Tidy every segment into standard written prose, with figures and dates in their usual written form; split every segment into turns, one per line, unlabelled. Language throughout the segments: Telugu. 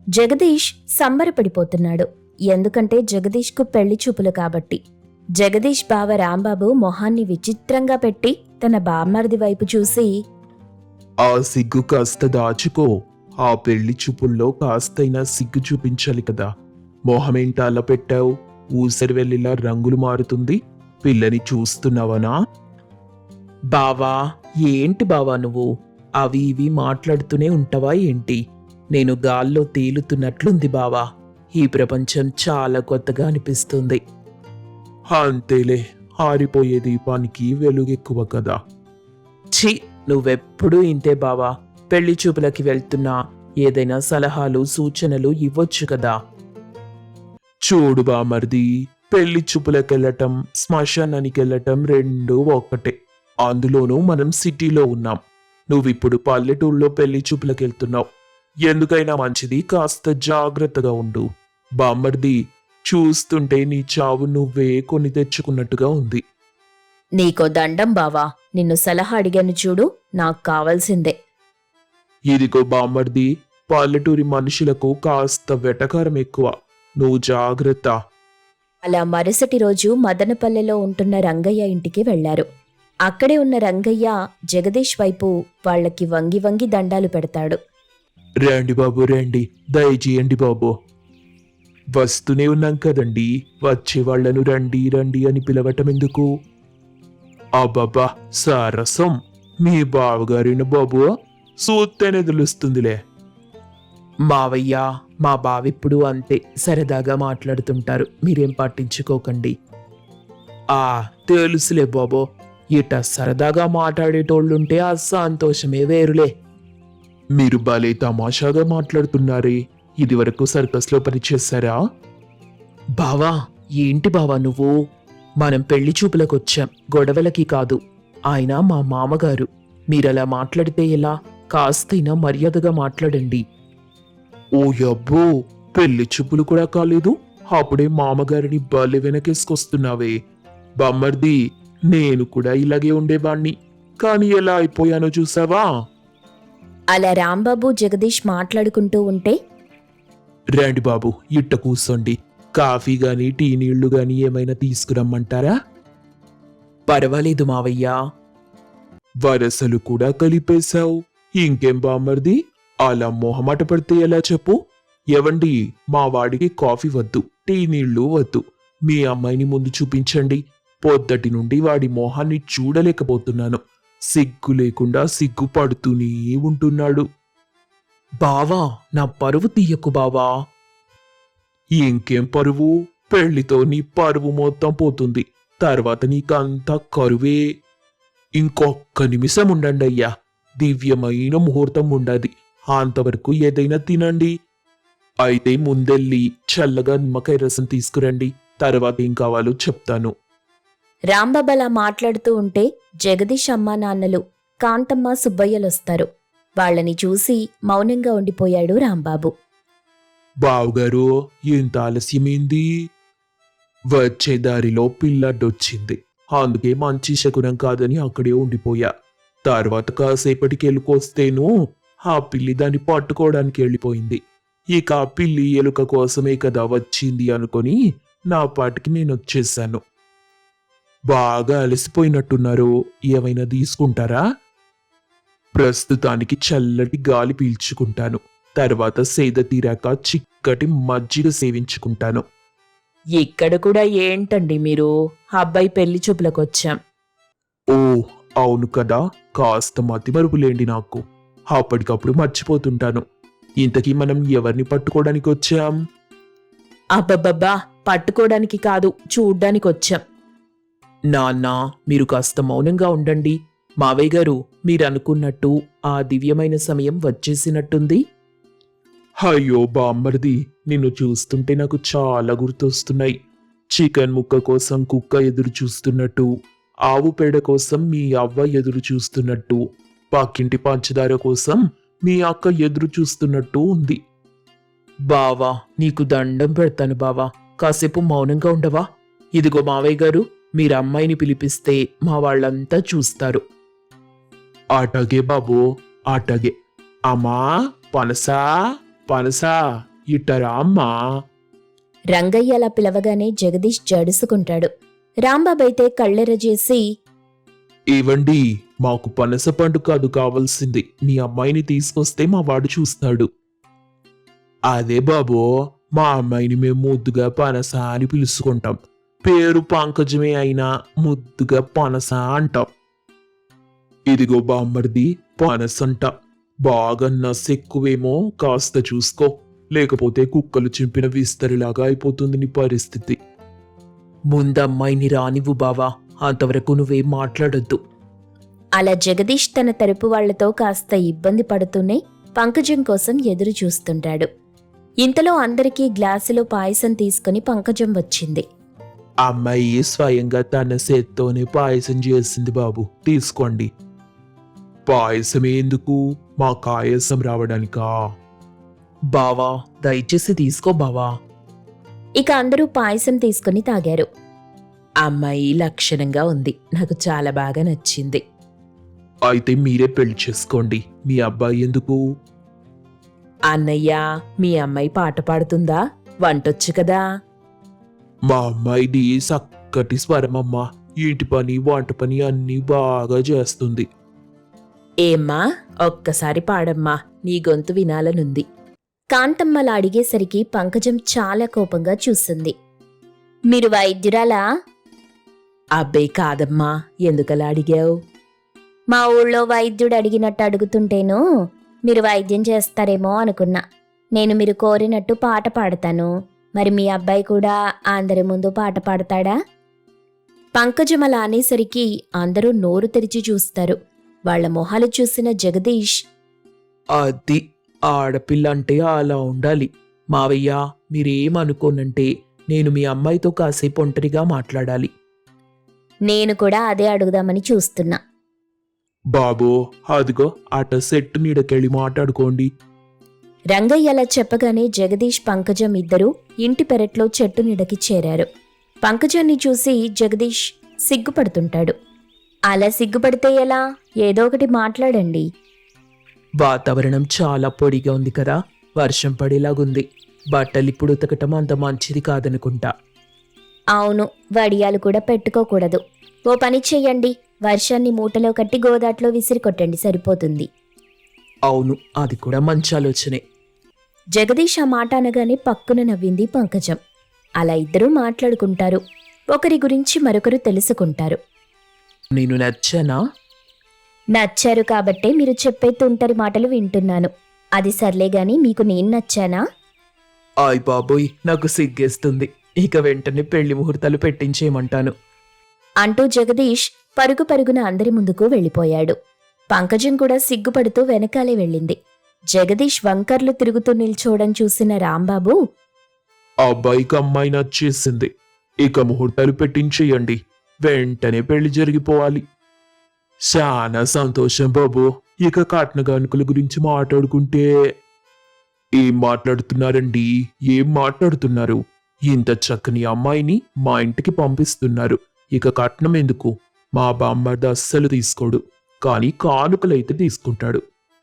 జగదీష్ సంబరపడిపోతున్నాడు. ఎందుకంటే జగదీష్కు పెళ్లి చూపులు కాబట్టి. జగదీష్ బావ రాంబాబు మొహాన్ని విచిత్రంగా పెట్టి తన బామ్మర్ది వైపు చూసి,
ఆ సిగ్గు కాస్త దాచుకో. ఆ పెళ్లి చూపుల్లో కాస్తైనా సిగ్గు చూపించాలి కదా. మొహమేంట అలా పెట్టావు? ఊసరి వెళ్ళిలా రంగులు మారుతుంది. పిల్లని చూస్తున్నావనా?
బావా, ఏంటి బావా నువ్వు అవి ఇవి మాట్లాడుతూనే ఉంటావా ఏంటి? నేను గాల్లో తేలుతున్నట్లుంది బావా. ఈ ప్రపంచం చాలా కొత్తగా అనిపిస్తుంది.
అంతేలే, ఆరిపోయే దీపానికి వెలుగెక్కువ కదా.
ఛీ, నువ్వెప్పుడూ ఇంతే బావా. పెళ్లి చూపులకి వెళ్తున్నా ఏదైనా సలహాలు సూచనలు ఇవ్వొచ్చు కదా.
చూడు బామర్ది, పెళ్లి చూపులకెళ్ళటం శ్మశానానికెళ్ళటం రెండూ ఒక్కటే. అందులోనూ మనం సిటీలో ఉన్నాం. నువ్విప్పుడు పల్లెటూళ్ళలో పెళ్లి చూపులకెళ్తున్నావు. ఎందుకైనా మంచిది కాస్త జాగ్రత్తగా ఉండు. బామ్మర్ది, చూస్తుంటే నీ చావు నువ్వే కొని తెచ్చుకున్నట్టుగా ఉంది.
నీకో దండం బావా, నిన్ను సలహా అడిగాను చూడు, నాకు కావాల్సిందే.
ఇదిగో బామ్మర్ది, పల్లెటూరి మనుషులకు కాస్త వెటకారం ఎక్కువ. నువ్వు జాగ్రత్త.
అలా మరుసటి రోజు మదనపల్లెలో ఉంటున్న రంగయ్య ఇంటికి వెళ్లారు. అక్కడే ఉన్న రంగయ్య జగదీష్ వైపు వాళ్ళకి వంగి వంగి దండాలు పెడతాడు.
రండి బాబు, రండి, దయచేయండి బాబు. వస్తూనే ఉన్నాం కదండి, వచ్చే వాళ్లను రండి రండి అని పిలవటం ఎందుకు? అబ్బబ్బా, సరసం. మీ బావగారిన బాబు సూత్తేనే తెలుస్తుందిలే.
మావయ్య, మా బావిప్పుడు అంతే సరదాగా మాట్లాడుతుంటారు, మీరేం పట్టించుకోకండి. తెలుసులే బాబో, ఇట సరదాగా మాట్లాడేటోళ్ళుంటే ఆ సంతోషమే వేరులే.
మీరు భలే తమాషాగా మాట్లాడుతున్నారే. ఇదివరకు సర్కస్లో పనిచేశారా?
బావా, ఏంటి బావా నువ్వు? మనం పెళ్లి చూపులకొచ్చాం, గొడవలకి కాదు. ఆయన మా మామగారు. మీరలా మాట్లాడితే ఎలా? కాస్తైనా మర్యాదగా మాట్లాడండి.
ఓ యబ్బో, పెళ్లి చూపులు కూడా కాలేదు, అప్పుడే మామగారిని భలే వెనకేసుకొస్తున్నావే. బామ్మర్ది, నేను కూడా ఇలాగే ఉండేవాణ్ణి, కానీ ఎలా అయిపోయానో చూసావా?
అలా రాంబాబు జగదీష్ మాట్లాడుకుంటూ ఉంటే,
రండి బాబు, ఇట్ట కూర్చోండి. కాఫీ గాని టీ నీళ్లు గాని ఏమైనా తీసుకురమ్మంటారా?
పర్వాలేదు మావయ్యా.
వరసలు కూడా కలిపేశావు. ఇంకేం బామ్మర్ది, అలా మొహమాట పడితే ఎలా చెప్పు? ఎవండి, మా వాడికి కాఫీ వద్దు, టీ నీళ్లు వద్దు. మీ అమ్మాయిని ముందు చూపించండి. పొద్దటి నుండి వాడి మొహాన్ని చూడలేకపోతున్నాను. సిగ్గు లేకుండా సిగ్గుపడుతూనే ఉంటున్నాడు.
బావా, నా పరువు తీయకు బావా.
ఇంకేం పరువు? పెళ్లితో నీ పరువు మొత్తం పోతుంది. తర్వాత నీకంతా కరువే. ఇంకొక్క నిమిషం ఉండండి అయ్యా, దివ్యమైన ముహూర్తం ఉండది. అంతవరకు ఏదైనా తినండి. అయితే ముందెళ్ళి చల్లగా నిమ్మకాయ రసం తీసుకురండి. తర్వాత ఏం కావాలో చెప్తాను.
రాంబాబు అలా మాట్లాడుతూ ఉంటే జగదీష్ అమ్మా నాన్నలు కాంతమ్మ సుబ్బయ్యలొస్తారు. వాళ్ళని చూసి మౌనంగా ఉండిపోయాడు రాంబాబు.
బావుగారు, ఇంత ఆలస్యమైంది? వచ్చే దారిలో పిల్లడ్డొచ్చింది, అందుకే మంచి శకునం కాదని అక్కడే ఉండిపోయా. తర్వాత కాసేపటికి ఎలుకొస్తేను ఆ పిల్లి దాన్ని పట్టుకోవడానికి వెళ్ళిపోయింది. ఇక ఆ పిల్లి ఎలుక కోసమే కదా వచ్చింది అనుకొని నా పాటికి నేను వచ్చేసాను. బాగా అలసిపోయినట్టున్నారు, ఏమైనా తీసుకుంటారా? ప్రస్తుతానికి చల్లటి గాలి పీల్చుకుంటాను. తర్వాత సేద తీరాక చిక్కటి మజ్జిగ సేవించుకుంటాను.
ఇక్కడ కూడా ఏంటండి మీరు? అబ్బాయి పెళ్లి చూపులకొచ్చాం.
ఓ అవును కదా, కాస్త మతిమరుపులేండి నాకు. అప్పటికప్పుడు మర్చిపోతుంటాను. ఇంతకీ మనం ఎవరిని పట్టుకోవడానికి వచ్చాం?
అబ్బబ్బబ్బా, పట్టుకోవడానికి కాదు, చూడ్డానికొచ్చాం. నాన్న, మీరు కాస్త మౌనంగా ఉండండి. మావయ్య గారు, మీరనుకున్నట్టు ఆ దివ్యమైన సమయం వచ్చేసినట్టుంది.
అయ్యో బామ్మర్ది, నిన్ను చూస్తుంటే నాకు చాలా గుర్తొస్తున్నాయి. చికెన్ ముక్క కోసం కుక్క ఎదురు చూస్తున్నట్టు, ఆవు పేడ కోసం మీ అవ్వ ఎదురు చూస్తున్నట్టు, పక్కింటి పంచదార కోసం మీ అక్క ఎదురు చూస్తున్నట్టు ఉంది.
బావా, నీకు దండం పెడతాను బావా, కాసేపు మౌనంగా ఉండవా? ఇదిగో మావయ్య గారు, మీరు అమ్మాయిని పిలిపిస్తే మా వాళ్ళంతా చూస్తారు.
అటగే బాబు, అటగే. అమ్మా, పనసా పనసా, ఇట్టరా అమ్మా.
రంగయ్య అలా పిలవగానే జగదీష్ జడుసుకుంటాడు. రాంబాబు అయితే కళ్ళెరజేసి,
ఏవండి, మాకు పనస పండు కాదు కావాల్సింది, మీ అమ్మాయిని తీసుకొస్తే మా వాడు చూస్తాడు. అదే బాబు, మా అమ్మాయిని మేము ముద్దుగా పనస అని పిలుచుకుంటాం. పేరు పంకజమే అయినా ముద్దుగా పనస అంటాం. ఇదిగో బామ్మర్ది, పనసంట. బాగా నసెక్కువేమో, కాస్త చూసుకో, లేకపోతే కుక్కలు చింపిన విస్తరిలాగా అయిపోతుంది నీ పరిస్థితి.
ముందమ్మాయిని రానివ్వు బావా, అంతవరకు నువ్వేం మాట్లాడొద్దు.
అలా జగదీష్ తన తరపు వాళ్లతో కాస్త ఇబ్బంది పడుతూనే పంకజం కోసం ఎదురు చూస్తుంటాడు. ఇంతలో అందరికీ గ్లాసులో పాయసం తీసుకుని పంకజం వచ్చింది.
అమ్మాయి స్వయంగా తన చేత్తోనే పాయసం చేసింది బాబు, తీసుకోండి. పాయసం ఎందుకు, మా కాయసం రావడానికా?
బావా, దయచేసి తీసుకో బావా.
ఇక అందరూ పాయసం తీసుకుని తాగారు.
అమ్మాయి లక్షణంగా ఉంది, నాకు చాలా బాగా నచ్చింది.
అయితే మీరే పెళ్లి చేసుకోండి. మీ అబ్బాయి ఎందుకు?
అన్నయ్య, మీ అమ్మాయి పాట పాడుతుందా? వంటొచ్చు కదా.
మా అమ్మాయిది చక్కటి స్వరమమ్మా. ఇంటి పని వంట పని అన్నీ బాగా చేస్తుంది.
ఏమ్మా, ఒక్కసారి పాడమ్మా, నీ గొంతు వినాలనుంది.
కాంతమ్మలా అడిగేసరికి పంకజం చాలా కోపంగా చూసింది. మీరు వైద్యురాలా?
అబ్బే కాదమ్మా, ఎందుకలా అడిగావు?
మా ఊళ్ళో వైద్యుడు అడిగినట్టు అడుగుతుంటేను మీరు వైద్యం చేస్తారేమో అనుకున్నా. నేను మీరు కోరినట్టు పాట పాడతాను. మరి మీ అబ్బాయి కూడా అందరి ముందు పాట పాడతాడా? పంకజం అలా అనేసరికి అందరూ నోరు తెరిచి చూస్తారు. వాళ్ల మొహాలు చూసిన జగదీష్,
అది ఆడపిల్ల అంటే అలా ఉండాలి. మావయ్య, మీరేమనుకోనంటే నేను మీ అమ్మాయితో కాసేపు ఒంటరిగా మాట్లాడాలి.
నేను కూడా అదే అడుగుదామని చూస్తున్నా.
బాబు, అదిగో అట సెట్టు నీడకెళ్ళి మాట్లాడుకోండి.
రంగయ్య అలా చెప్పగానే జగదీష్ పంకజం ఇద్దరూ ఇంటి పెరట్లో చెట్టు నీడకి చేరారు. పంకజాన్ని చూసి జగదీష్ సిగ్గుపడుతుంటాడు. అలా సిగ్గుపడితే ఎలా? ఏదో ఒకటి మాట్లాడండి.
వాతావరణం చాలా పొడిగా ఉంది కదా, వర్షం పడేలాగుంది. బట్టలిప్పుడు ఉతకటం అంత మంచిది కాదనుకుంటా.
అవును, వడియాలు కూడా పెట్టుకోకూడదు. ఓ పని చెయ్యండి, వర్షాన్ని మూటలో కట్టి గోదాట్లో విసిరి కొట్టండి, సరిపోతుంది.
అవును, అది కూడా మంచి ఆలోచనే.
జగదీష్ ఆ మాట అనగానే పక్కున నవ్వింది పంకజం. అలా ఇద్దరూ మాట్లాడుకుంటారు. ఒకరి గురించి మరొకరు తెలుసుకుంటారు.
నేను నచ్చానా?
నచ్చారు కాబట్టే మీరు చెప్పే తుంటరి మాటలు వింటున్నాను. అది సర్లే గాని మీకు నేను నచ్చానా?
ఆయ్ బాబోయ్, నాకు సిగ్గేస్తుంది. ఇక వెంటనే పెళ్లి ముహూర్తాలు పెట్టించేయమంటాను
అంటూ జగదీష్ పరుగు పరుగున అందరి ముందుకు వెళ్ళిపోయాడు. పంకజం కూడా సిగ్గుపడుతూ వెనకాలే వెళ్ళింది. జగదీష్ వంకర్లు తిరుగుతూ నిల్చోవడం చూసిన రాంబాబు,
అబ్బాయికి అమ్మాయి నచ్చేసింది. ఇక ముహూర్తాలు పెట్టించేయండి. వెంటనే పెళ్లి జరిగిపోవాలి. చాలా సంతోషం బాబు. ఇక కట్న కానుకల గురించి మాట్లాడుకుంటే. ఏం మాట్లాడుతున్నారండి? ఏం మాట్లాడుతున్నారు? ఇంత చక్కని అమ్మాయిని మా ఇంటికి పంపిస్తున్నారు. ఇక కట్నం ఎందుకు? మా బామ్మర్ది అస్సలు తీసుకోడు, కానీ కానుకలైతే తీసుకుంటాడు.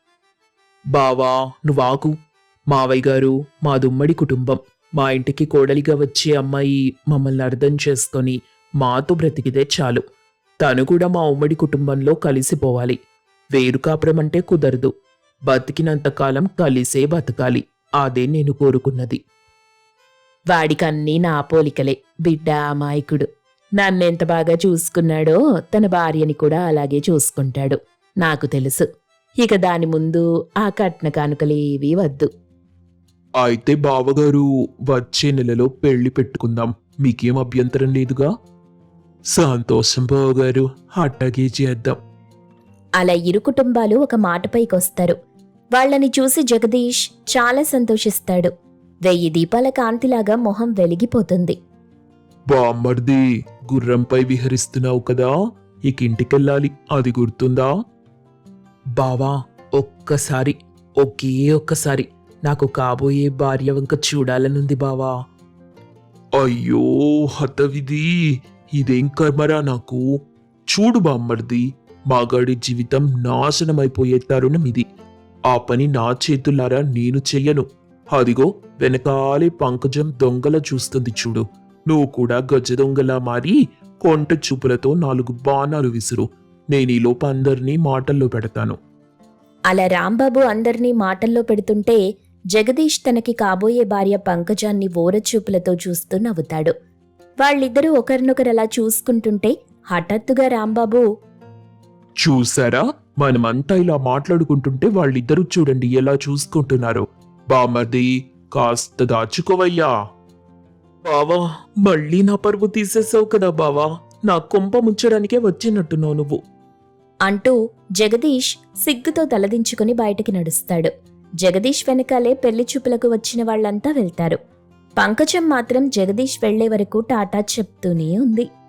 బావా, నువ్వాకు. మావయ్య గారు మాదుమ్మడి కుటుంబం. మా ఇంటికి కోడలిగా వచ్చే అమ్మాయి మమ్మల్ని అర్థం చేసుకొని మాతో బ్రతికితే చాలు. తను కూడా మా ఉమ్మడి కుటుంబంలో కలిసిపోవాలి. వేరు కాపురం అంటే కుదరదు. బతికినంతకాలం కలిసే బతకాలి. అదే నేను కోరుకున్నది. వాడికన్నీ నా పోలికలే. బిడ్డ అమాయకుడు. నన్నెంత బాగా చూసుకున్నాడో తన భార్యని కూడా అలాగే చూసుకుంటాడు. నాకు తెలుసు. ఇక దాని ముందు ఆ కట్న కానుకలేవీ వద్దు.
అయితే బావగారు, వచ్చే నెలలో పెళ్లి పెట్టుకుందాం. మీకేం అభ్యంతరం లేదుగా? సంతోషం బావగారు, అట్టాగే చేద్దాం.
అలా ఇరు కుటుంబాలు ఒక మాటపైకొస్తారు. వాళ్ళని చూసి జగదీష్ చాలా సంతోషిస్తాడు. 1000 దీపాల కాంతిలాగా మొహం వెలిగిపోతుంది.
బామ్మర్ది, గుర్రంపై విహరిస్తున్నావు కదా, ఇక ఇంటికెళ్ళాలి, అది గుర్తుందా?
బావా, ఒకే ఒక్కసారి నాకు కాబోయే భార్య వంక చూడాలనుంది బావా.
అయ్యో హతవిధి, ఇదేం కర్మరా నాకు. చూడు బామ్మర్ది, మాగాడి జీవితం నాశనమైపోయే తరుణం ఇది. ఆ పని నా చేతులారా నేను చెయ్యను. అదిగో వెనకాలే పంకజం దొంగల చూస్తుంది చూడు. నువ్వు కూడా గజ దొంగలా మారి కొంట చూపులతో 4 బాణాలు విసురు. నేనీలోపు అందరినీ మాటల్లో పెడతాను.
అలా రాంబాబు అందర్నీ మాటల్లో పెడుతుంటే జగదీష్ తనకి కాబోయే భార్య పంకజాన్ని ఓరచూపులతో చూస్తూ నవ్వుతాడు. వాళ్ళిద్దరూ ఒకరినొకరు అలా చూసుకుంటుంటే హఠాత్తుగా రాంబాబు,
చూసారా, మనమంతా ఇలా మాట్లాడుకుంటుంటే వాళ్ళిద్దరూ చూడండి ఎలా చూసుకుంటున్నారో. బామర్ది, కాస్త దాచుకోవయ్యా.
బావా, మళ్ళీ నా పరువు తీసేసావు కదా బావా. నా కొంప ముంచడానికే వచ్చినట్టున్నావు నువ్వు.
అంటూ జగదీష్ సిగ్గుతో తలదించుకుని బయటికి నడుస్తాడు. జగదీష్ వెనకాలే పెళ్లి చూపులకు వచ్చిన వాళ్ళంతా వెళ్తారు. పంకజం మాత్రం జగదీష్ వెళ్లే వరకు టాటా చెప్తూనే ఉంది.